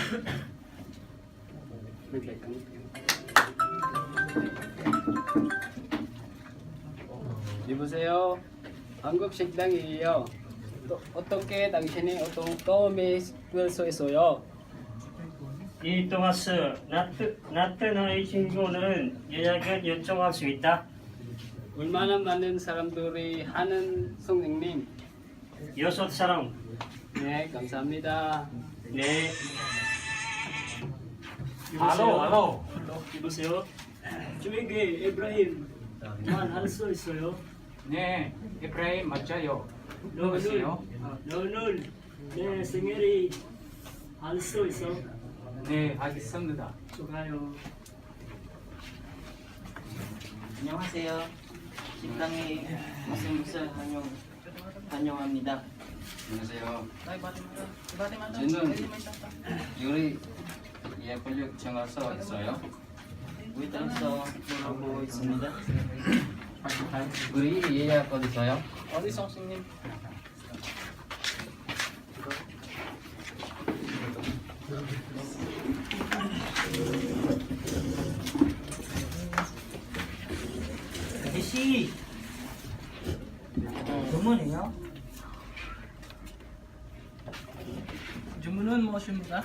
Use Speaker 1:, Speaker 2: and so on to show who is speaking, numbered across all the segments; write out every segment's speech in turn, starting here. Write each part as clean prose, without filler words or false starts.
Speaker 1: 여보세요. 한국 식당이에요. 어떻게 당신이 처음에 볼 수 있어요?
Speaker 2: 이 토마스 나트너의 친구는 예약을 요청할 수 있다.
Speaker 1: 얼마나 많은 사람들이 하는 선생님?
Speaker 2: 6사람.
Speaker 1: 네, 감사합니다.
Speaker 2: 네.
Speaker 3: 알로.
Speaker 2: 여보세요. 저에게 에브라임만 할 수 있어요.
Speaker 3: 네, 에프라임 맞아요. 누구세요?
Speaker 2: 너는 내 생일이 할 수 있어.
Speaker 3: 네, 알겠습니다.
Speaker 2: 좋아요.
Speaker 4: 안녕하세요. 식당에 무슨 환영합니다.
Speaker 5: 안녕하세요. 저는 요리 예약을 요청해서 있어요.
Speaker 4: 웨이터에서 물어보고 있습니다.
Speaker 5: 우리 예약 어디 있어요?
Speaker 4: 어디 선생님?
Speaker 6: 아저씨 주문이요? 주문은 무엇입니까?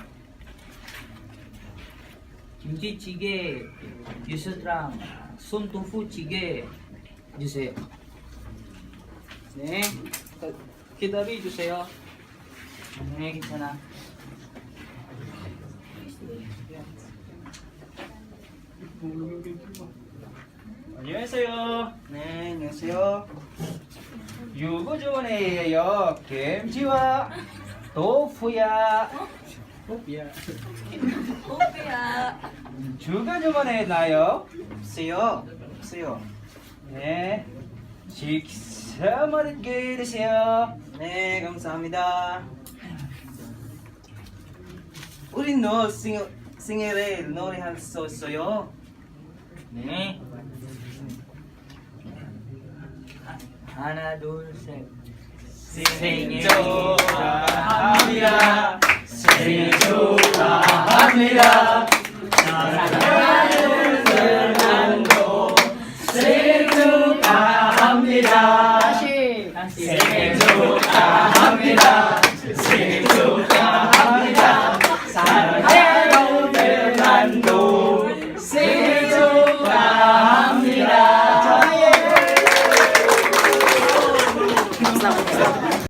Speaker 6: 김치찌개, 유스랑 손두부찌개 주세요. 네, 기다려 주세요. 네, 괜찮아.
Speaker 2: 안녕하세요.
Speaker 4: 네, 안녕하세요.
Speaker 6: 유부 주문이에요. 김치와豆腐야.
Speaker 1: 호비야.
Speaker 6: 주가 주문했나요?
Speaker 4: 없어요.
Speaker 6: 네, 식사 맛있게 드세요.
Speaker 4: 네, 감사합니다. 우리 너 생일에 노래할 수 있어요?
Speaker 6: 네. 하나, 둘, 셋. 생일 축하합니다. 생일 축하합니다. 사랑하는 fernando 생일 축하합니다. 다시. 생일 축하합니다. 생일 축하합니다. 사랑하는 fernando 생일 축하합니다.